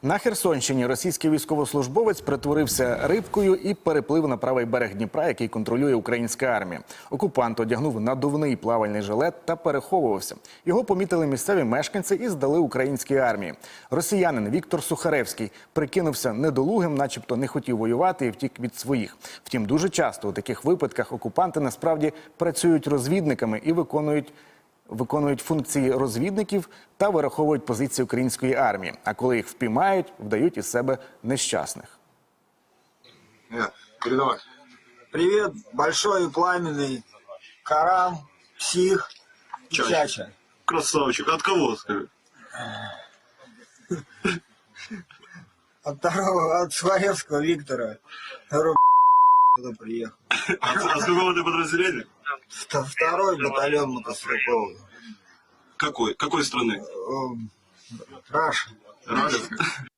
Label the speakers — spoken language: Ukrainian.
Speaker 1: На Херсонщині російський військовослужбовець притворився рибкою і переплив на правий берег Дніпра, який контролює українська армія. Окупант одягнув надувний плавальний жилет та переховувався. Його помітили місцеві мешканці і здали українській армії. Росіянин Віктор Сухаревський прикинувся недолугим, начебто не хотів воювати і втік від своїх. Втім, дуже часто у таких випадках окупанти насправді працюють розвідниками і виконують функції розвідників та вираховують позиції української армії. А коли їх впіймають, вдають із себе нещасних.
Speaker 2: Передавай.
Speaker 3: Привет, большой и пламенный Карам, Псих, Чача.
Speaker 2: Красавчик. От кого, скажи?
Speaker 3: От Сухаревского Виктора. Второй туда приехал.
Speaker 2: А с какого ты подразделения?
Speaker 3: Второй батальон мотострелковый.
Speaker 2: Какой? Какой страны?
Speaker 3: Раша.
Speaker 2: Раша?